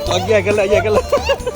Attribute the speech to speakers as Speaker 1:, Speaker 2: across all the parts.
Speaker 1: แยกกันเลยแยกกันเลย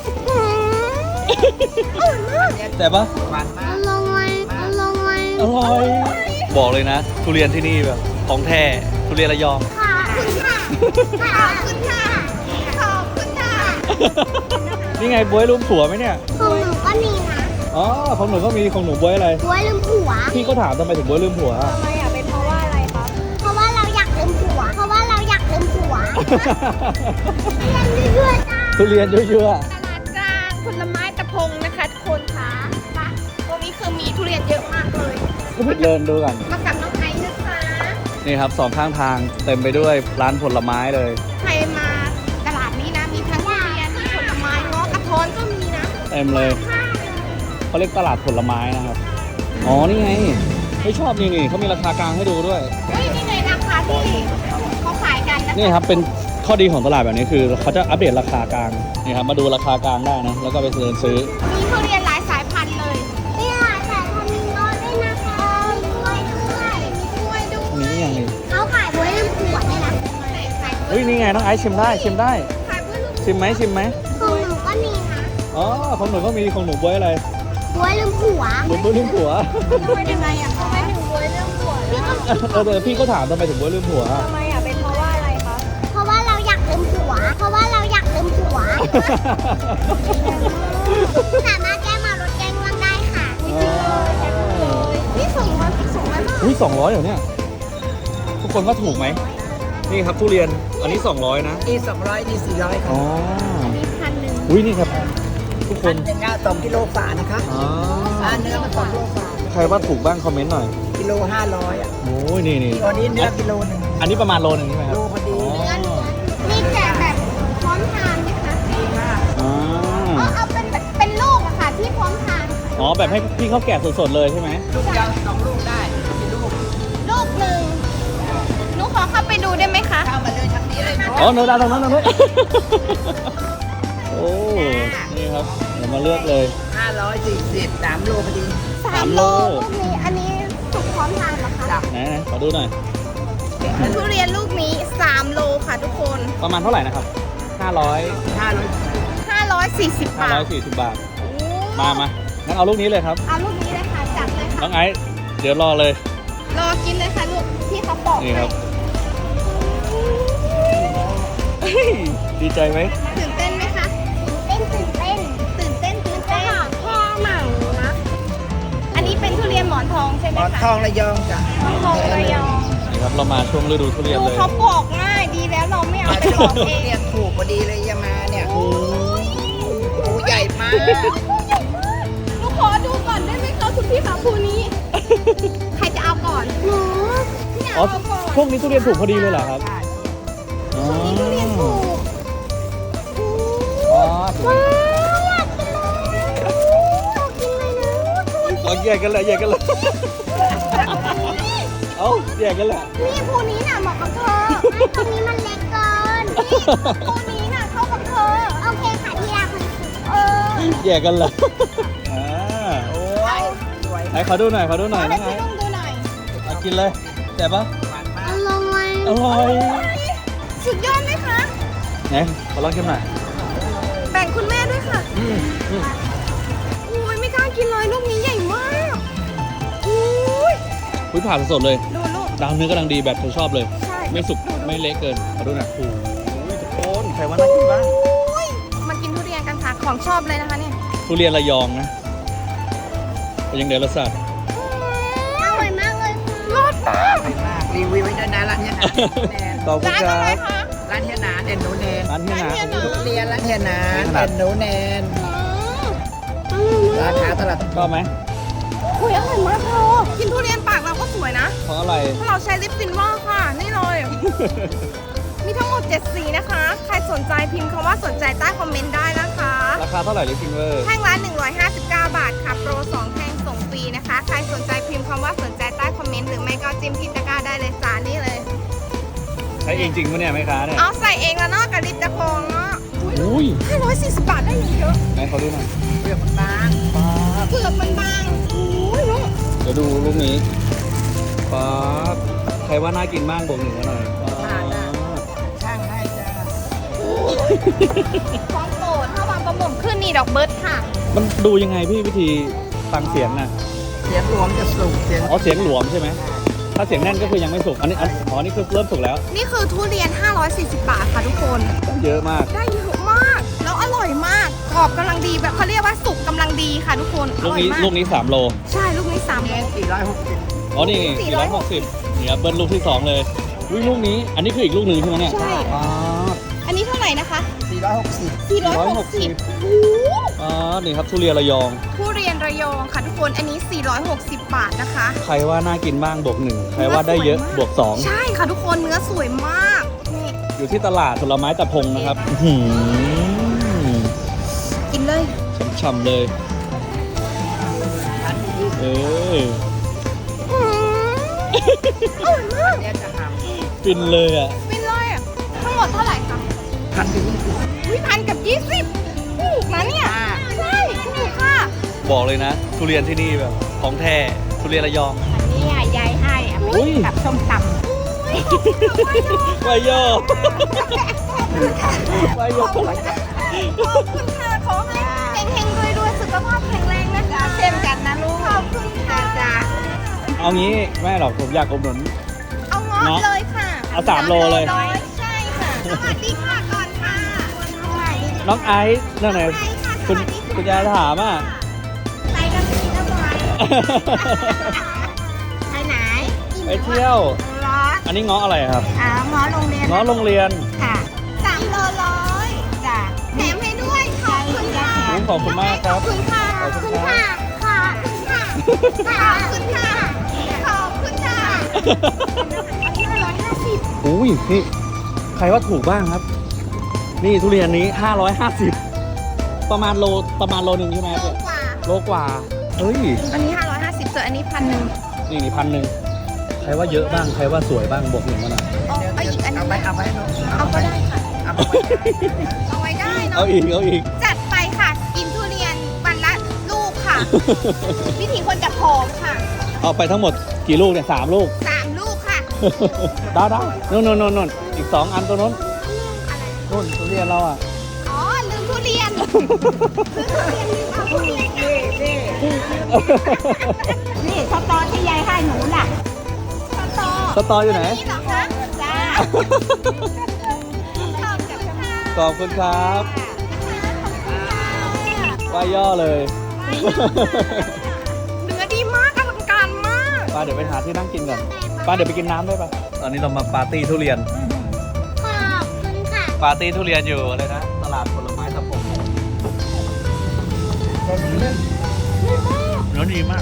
Speaker 1: แต่ปะ
Speaker 2: หวานมาก
Speaker 1: อร่อยบอกเลยนะทุเรียนที่นี่แบบของแท้ทุเรียนระยอง
Speaker 2: ขอบคุณค่ะขอบคุณค่ะขอบคุณค่ะ
Speaker 1: นี่ไงบ๊วยลืมผัวไหมเนี่ย
Speaker 2: ของหนูก็มีนะ
Speaker 1: อ๋อของหนูก็มีของหนูบ๊วยอะไร
Speaker 2: บ๊วยลืมผัว
Speaker 1: พี่ก็ถามทำไมถึงบ๊วยลืมผัวอะ
Speaker 2: ทำไมอ่ะเป็นเพราะว่าอะไรครับเพราะว่าเราอยากลืมผัวเพราะว่าเราอยากลืมผัวเรียนเรื่อยๆจ้า
Speaker 1: ทุเรียนเยอะ
Speaker 3: ตลาดกลางผลไม้ตะพงนะคะทุกคนคะตรงนี้คือมีทุเรียนเยอะมากเลย
Speaker 1: ๆก็ไปเดินดูกัน
Speaker 3: มากับน้องไอซ์นะคะ
Speaker 1: นี่ครับสองข้างทางเต็มไปด้วยร้านผลไม้เลย
Speaker 3: ใครมาตลาดนี้นะมีทั้งทุเรียนมีผลไม้เงาะกระท้อนก็มีนะ
Speaker 1: เต็มเลยเขาเรียกตลาดผลไม้นะครับอ๋อนี่ไงไม่ชอบนี่เขามีราคากลางให้ดูด้วย
Speaker 3: เฮ้ยนี่เลยราคาที่เขาขายกันนะคะ
Speaker 1: นี่ครับเป็นข้อดีของตลาดแบบนี้คือเขาจะอัปเดตราคากลางนี่ครับมาดูราคากลางได้นะแล้วก็ไปเดินซื้อ
Speaker 3: มีทุเรียนหลายสายพันธุ์เลย
Speaker 2: เนี่ยแต่ทำมีโน้ตด้วยนะคะมีกล้วยด้วย
Speaker 3: มีกล้วยด้วย
Speaker 1: นี่ยังไง
Speaker 2: เขาขายบ๊วยลืมผัวด้วยนะ
Speaker 3: ขาย
Speaker 1: เฮ้ยนี่ไงน้องไอซ์ชิมได้ชิมได้
Speaker 3: ขายเพื่อลูก
Speaker 1: ชิมไหมชิมไหม
Speaker 2: ของหนูก็มีนะ
Speaker 1: อ๋อของหนูก็มีของหนูบ๊วยอะไร
Speaker 2: บ๊วยลืมผัว
Speaker 1: หนูบ๊วยลืมผัว
Speaker 3: ทำไมยังไงอ่ะทำไมถึงบ๊วยเรื่องผัวล่ะ
Speaker 1: เออพี่ก็ถามทำไมถึงบ๊วยลืมผัวอะ
Speaker 3: ทำไมอ่ะเป็นเพราะว่าอะไรคะ
Speaker 2: เพราะว่าเราอยากลืมผัว เพราะว่าเราอยากลืมผัว สามารถแก้มารถแก้ง่วงได้ค่ะ
Speaker 3: นี่ส่งมามาก
Speaker 1: อุ้ย200เหรอเนี่ยทุกคนว่าถูกไหมนี่ครับทุเรียนอันนี้200นะ
Speaker 4: นี่200นี่400ครั
Speaker 1: อ๋
Speaker 4: บ
Speaker 1: อ
Speaker 3: มี1,100
Speaker 1: อุ้ยนี่ครับทุกค
Speaker 4: อั
Speaker 1: น
Speaker 4: นหนึ่งอ่ะ2กิโลฝานะคะ
Speaker 1: อ๋อ
Speaker 4: เนื้อมัน2กิโลฝา
Speaker 1: ใครว่าถูกบ้างคอมเมนต์หน่อย
Speaker 4: กิโล500อ่ะ
Speaker 1: โอ้ยนี่
Speaker 4: ตัวนี้เนื้อกิโลหนึ่ง
Speaker 1: อันนี้ประมาณโลนึงใช่ไหมครับ
Speaker 4: โลพอดี
Speaker 3: มีแจกแบบพร้อมทานไหมคะ
Speaker 1: อ๋อ
Speaker 3: เอาเป็นลูกอะค่ะที่พร้อมทาน
Speaker 1: อ๋อแบบให้พี่เขาแกะสดๆเลยใช่ไหม
Speaker 4: ลูกเดียว2ลูกได้กี่ลูก
Speaker 3: ลูกหนึ่งหนูขอเข้าไปดูได้ไหมคะ
Speaker 4: เข้ามาเลยทางนี้เลย
Speaker 1: อ๋อเนื้อดาวตรงนั้นเลยโอ้นี่ครับเดี๋ยวมาเลือกเลย
Speaker 4: 540 3โลพอดี
Speaker 1: 3 โล
Speaker 3: ลูกนี้อันนี้สุกพร้อมทานเหรอคะ
Speaker 4: จ้ะ
Speaker 1: ไหนขอดูหน่อย
Speaker 3: ทุเรียนลูกนี้3โลค่ะทุกคน
Speaker 1: ประมาณเท่าไหร่นะครับ
Speaker 3: 540 บาท
Speaker 1: 540 บาทมางั้นเอาลูกนี้เลยครับ
Speaker 3: เอาลูกนี้เลยค่ะจัดเลย
Speaker 1: น้
Speaker 3: ค่ะ
Speaker 1: องไอซ์เดี๋ยวรอเลย
Speaker 3: รอกินเลยค่ะลูกที่เขาปอก
Speaker 1: นี่ครับดีใจไหม
Speaker 3: ตื่นเต้นไหมคะ
Speaker 2: ตื่นเต้น
Speaker 3: ตื่นเต้น
Speaker 2: แค่หนังนะ
Speaker 3: อันนี้เป็นทุเรียนหมอนทองใช่ไห
Speaker 4: ห
Speaker 3: ม
Speaker 4: มอน
Speaker 3: คะ
Speaker 4: ทองระยองจ้ะ
Speaker 3: หมอนทองระยอง
Speaker 1: นี่ครับเรามาช่วงฤดูทุเรียน
Speaker 3: ดู
Speaker 1: เลย
Speaker 3: เขาปอกง่ายดีแล้วเราไม่เอาไปปอกเอง
Speaker 4: เรียนถูกพอดีเลยยามาเนี่ยโอ้ใหญ่มาก
Speaker 3: หนูขอดูก่อนได้ไหมคะคุณพี่ขาภูนี้ ใครจะเอาก่อน
Speaker 2: หนู
Speaker 3: พี่
Speaker 1: อ๋อ
Speaker 3: เอาก่อน
Speaker 1: พวกนี้ทุเรียนถูกพอดีเลยเหรอครับอ๋อ
Speaker 3: ทุเรียนถูก
Speaker 1: อ๋อ
Speaker 2: อยากกินเลยกินเลยนะ
Speaker 1: เอาแยกกันเลยแยกกันเลยเอาแยกกันเลย
Speaker 3: นี่ภูนี้น่ะเหมาะกับเธอ
Speaker 2: ไม่ตรงนี้มันเล็กเกิน
Speaker 3: ภูนี้น่ะเข้ากับเธอ
Speaker 2: โอเคค่ะที่รักมันสุด
Speaker 3: เออ
Speaker 1: แยกกันเลยอ่า
Speaker 4: โอ้ยสวย
Speaker 1: ไหนขอดูหน่อยน้อง
Speaker 3: ให้
Speaker 1: ไอ
Speaker 3: พี่
Speaker 1: ซ์
Speaker 3: ลุงดูหน่อย
Speaker 1: เอากินเลยแต่ปะ
Speaker 4: หวานมา
Speaker 2: อก ร่อย
Speaker 1: อร่อย
Speaker 3: สุดยอดไหมคะ
Speaker 1: ไหนขอลองชิมหน่อย
Speaker 3: แบ่งคุณแม่ด้วยค่ะ
Speaker 1: อืม
Speaker 3: อุ้ยไม่กล้ากินเลยลูกนี้ใหญ่มากอุ้ย
Speaker 1: ผ่าสดๆเลย
Speaker 3: ดูลูก
Speaker 1: ดาวเนื้อกำลังดีแบบเธอชอบเลย
Speaker 3: ใช่
Speaker 1: ไม่สุกไม่เละเกินขอดูหน่อยโอ้ยทุกคนใครว่าน่ากินบ้าง
Speaker 3: อุ้ยมากินทุเรียนกันค่ะของชอบเลยนะคะเนี่ย
Speaker 1: ทุเรียนระยองนะเป็นยังไงรสชาติ
Speaker 2: อร่อยมากเลย
Speaker 3: รสมาก
Speaker 4: มากรีวิวไว้ด้วยนะร้านเฮียหนาแนน
Speaker 1: ขอบคุณ
Speaker 3: ร้าน
Speaker 1: ค
Speaker 3: อะไร
Speaker 1: รับ
Speaker 3: คะ
Speaker 4: ร้านเฮียหนาเด่นหนูแนน
Speaker 1: ร้านที่นาของพี่
Speaker 4: เรียนร้านเฮียหนาเด่นหนูแนนราคาตลาด
Speaker 1: ชอบไหม
Speaker 3: อุ้ยอร่อยมากเธอกินทุเรียนปากเราก็สวยนะ
Speaker 1: เพราะอะไร
Speaker 3: เพราะเราใช้ลิปซินว่าค่ะ นี่เลย มีทั้งหมด 7 สีนะคะ ใครสนใจพิมพ์คำว่าสนใจใต้คอมเมนต์ได้นะคะ
Speaker 1: ราคาเท่าไหร่ลิฟฟิงเวอร์
Speaker 3: แท่งละ159 บาทค่ะ โปร 2 แท่งส่งฟรีนะคะ ใครสนใจพิมพ์คำว่าสนใจใต้คอมเมนต์หรือไม่ก็จิ้มที่ตะกร้าได้เลยจ้านี่เลย
Speaker 1: ใช้เองจริงปะเนี่ยแม่ค้าเนี่ย
Speaker 3: เอาใส่เองแล้วเนาะกับลิปตะโพงเนาะ
Speaker 1: อุ้ย
Speaker 3: 540 บาทได้อย่างเยอะ
Speaker 1: ไหนเขาดูหน่อย
Speaker 4: เปลือกมันบาง
Speaker 3: เปลือกมันบางอุ้ยลูก
Speaker 1: เดี๋ยวดูรูปนี้ป๊าบใครว่าน่ากินบ้างบวกหนึ่งมาหน่อยป๊าบ
Speaker 4: ช่างให้จ้า
Speaker 3: อุ้ของโปรดถ้าวางประมงขึ้นนี่ดอกเบิร์ดค่ะ
Speaker 1: มันดูยังไงพี่วิธีฟังเสียงน่ะ
Speaker 4: เสียงรวมจะสุกเสียง
Speaker 1: อ๋อเสียงหลวมใช่ไหมถ้าเสียงแน่นก็คือยังไม่สุกอันนี้คือเริ่มสุกแล้ว
Speaker 3: นี่คือทุเรียน 540 บาทค่ะทุกคน
Speaker 1: เยอะมาก
Speaker 3: ได้เยอะมาก แล้วอร่อยมาก กรอบกำลังดีแบบเขาเรียกว่าสุกกำลังดีค่ะทุกคน อ
Speaker 1: ลูก
Speaker 3: ร่อย
Speaker 1: นี้
Speaker 3: มาก
Speaker 1: ลูกนี้3 โล
Speaker 3: ใช่ ลูกนี้3โล
Speaker 4: 460
Speaker 1: อ๋อนี่460เนี่ยเบิ้ลลูกที่2เลยอุ้ยลูกนี้อันนี้คืออีกลูกหนึ่งใช่ไหมเนี่ย
Speaker 3: ใช่
Speaker 1: อ๋อ
Speaker 3: อันนี้เท่าไหร่นะคะ
Speaker 4: 460
Speaker 3: 460โอ้โห
Speaker 1: อ๋อนี่ครับทุเรียนระยอง
Speaker 3: ทุเรียนระยองค่ะทุกคน อันนี้ 460 บาทนะคะ
Speaker 1: ใครว่าน่ากินบ้างบวก1ใครว่าได้เยอะบวก
Speaker 3: ใช่ค่ะทุกคนเนื้อสวยมากนี่
Speaker 1: 2อยู่ที่ตลาดผลไม้ตะพงนะครับอื้อหือ
Speaker 3: กินเลย
Speaker 1: ฉ่ำๆเลยเออ
Speaker 3: อร่อยมาก
Speaker 4: เนี่ยจะท
Speaker 1: ฟินเลยอ่ะ
Speaker 3: ฟินเลยอะทั้งหมดเท่าไหร่คะ
Speaker 4: ำ1,020
Speaker 3: วิพันกับ20ถูกนะเนี่ยใช่ถูกค่ะ
Speaker 1: บอกเลยนะ ทุเรียนที่นี่แบบของแท้ทุเรียนระยอง
Speaker 2: อันนี้ยายให้อ่ะ
Speaker 1: อุ้ย
Speaker 2: กับส้มต
Speaker 1: วายโยวายโย
Speaker 3: ขอบคุณค่ะขอให้เฮงๆรวยๆสุขภาพแข็งแรงนะคะ
Speaker 2: ำเช่นกันนะลูก
Speaker 3: ขอบคุณค่ะ
Speaker 2: จ้า
Speaker 1: เอางี้แม่หรอกผมอยากอุดหนุน
Speaker 3: เอาเงาะเลยค่ะ
Speaker 1: เอา3 โลเลย
Speaker 3: ร้อยใช่ค่ะ สวัสดีค่ะก่อนค่ะ
Speaker 1: น้องไอซ์นั่นไงคุณยายถามอ่ะ
Speaker 2: ไปกันสินะบอยไปไหน
Speaker 1: ไปเที่ยว
Speaker 2: ร้อน
Speaker 1: อันนี้ง้ออะไรครับ
Speaker 2: หมอโรงเรียน
Speaker 1: ง้อโรงเรียน
Speaker 2: ค่ะ
Speaker 3: 3 โลร้อย
Speaker 2: จ้า
Speaker 3: แถมให้ด้วย ขอบคุณค่ะ
Speaker 1: ขอบคุณมากครับ
Speaker 3: ขอบคุณค่ะ
Speaker 1: ขอบคุณค่ะ
Speaker 3: ขอบคุณค่ะ ขอบคุณค่ะ ขอบคุณค่ะ อันนี้150
Speaker 1: อุ้ยนี่ใครว่าถูกบ้างครับ นี่ทุเรียนนี้550ประมาณโลนึงใช่ไหมครับ
Speaker 3: โลกว่า
Speaker 1: โลกว่าเอ้ย
Speaker 3: อันนี้ 550ส่วนอันนี้1,000
Speaker 1: นี่1,000ใครว่าเยอะบ้างใครว่าสวยบ้างบวกหนึ่งมาหน่อย
Speaker 3: เอาอีกอันหนึ
Speaker 4: เอา
Speaker 3: ง
Speaker 4: ไปเอาไปเนอะ
Speaker 3: เอาก็ได้ค่ะ
Speaker 4: เอาไป
Speaker 3: เอาไว้ได้เนาะ
Speaker 1: เอาอีก
Speaker 3: จัดไปค่ะ กินทุเรียนวันละลูกค่ะ วิธีคนจะผอมค่ะ
Speaker 1: เอาไปทั้งหมดกี่ลูกเนี่ย3 ลูก
Speaker 3: 3 ลูกค่ะ
Speaker 1: ดาวนู่นอีก2 อันตัวนู้นนู่นทุเรียนเราอ่ะ
Speaker 3: อ๋อ ลืมทุเรียนลืมเอาทุเรียนค่ะ
Speaker 2: นี่สตอที่ยายให้หนูน่ะ
Speaker 1: สตออยู่ไหน
Speaker 3: นี่เหรอคะ
Speaker 2: จ้า
Speaker 3: ขอบคุณค่ะ
Speaker 1: ขอบคุณครับว่าย่อเลย
Speaker 3: เนื้อดีมากอลังการมาก
Speaker 1: ป้าเดี๋ยวไปหาที่นั่งกินก่อนป้าเดี๋ยวไปกินน้ำด้วยป่ะตอนนี้เรามาปาร์ตี้ทุเรียน
Speaker 2: ขอบคุณค่ะ
Speaker 1: ปาร์ตี้ทุเรียนอยู่อะไรนะตลาดผลไม้ตะพงเนื้อดีมาก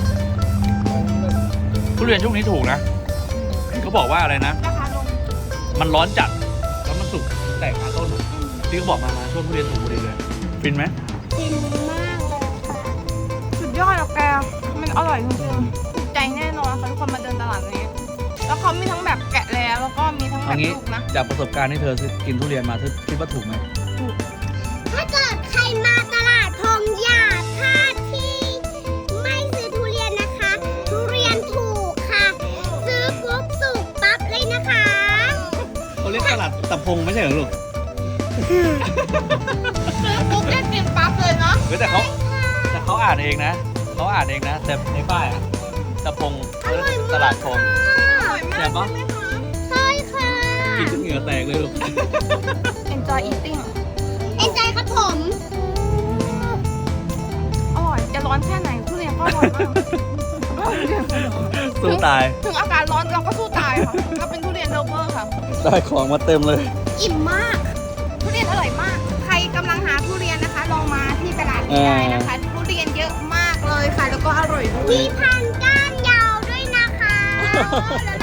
Speaker 1: ทุเรียนช่วงนี้ถูกนะเขาบอกว่าอะไรนะ
Speaker 3: ราคาลง
Speaker 1: มันร้อนจัดแล้วมันสุกแตกขาต้นที่เขาบอกมาช่วงทุเรียนถูกพอดีเลยฟินไหม
Speaker 2: กินมากเลยค่ะ
Speaker 3: สุดยอดอะแก มันอร่อยจริงๆถูกใจแน่นอนค่ะทุกคนมาเดินตลาดนี้ แล้วเขามีทั้งแบบแกะแล้วก็มีทั้งแบ
Speaker 1: เอา
Speaker 3: บ
Speaker 1: งี้
Speaker 3: ลูกนะ
Speaker 1: จากประสบการณ์ที่เธอกินทุเรียนมาเธอคิดว่าถูกไหม
Speaker 2: ถ้าเกิดใครมาตลาดพงอย่าพลาดที่ไม่ซื้อทุเรียนนะคะ ทุเรียนถูกค่ะ ซื้อปุ๊บสุกปั๊บเลยนะคะ
Speaker 1: เขาเรียกตลาดตะพงไม่ใช่เหรอลูก
Speaker 3: ซื้อปุ๊บได้กินปั๊บเลยเนาะ
Speaker 1: เฮ้ยแต่เขาอ่านเองนะเขาอ่านเองนะแต่ในป้ายอะตะพงตลาดพง
Speaker 3: อร่อยมาก
Speaker 1: แซ่บปะ
Speaker 2: ใช่ค่ะ
Speaker 1: กินจนเหงื่อแตกเลยลูก
Speaker 3: Enjoy eating
Speaker 2: เอ็นใจครับผม
Speaker 3: อร่อย จะร้อนแค่ไหนทุเรียนก็อร่อยมาก
Speaker 1: สู้ตาย
Speaker 3: ถึงอากาศร้อนเราก็สู้ตายค่ะเราเป็นทุเรียนเลฟเวอร์ค่ะ
Speaker 1: ได้ของมาเต็มเลย
Speaker 3: อิ่มมาก ทุเรียนอร่อยมาก ใครกำลังหาทุเรียนนะคะ ลองมาที่ตลาดนี้ได้นะคะ ทุเรียนเยอะมากเลยค่ะ แล้วก็อร่อยด้วย
Speaker 2: มีพันก้านยาวด้วยนะคะ
Speaker 3: แล้ว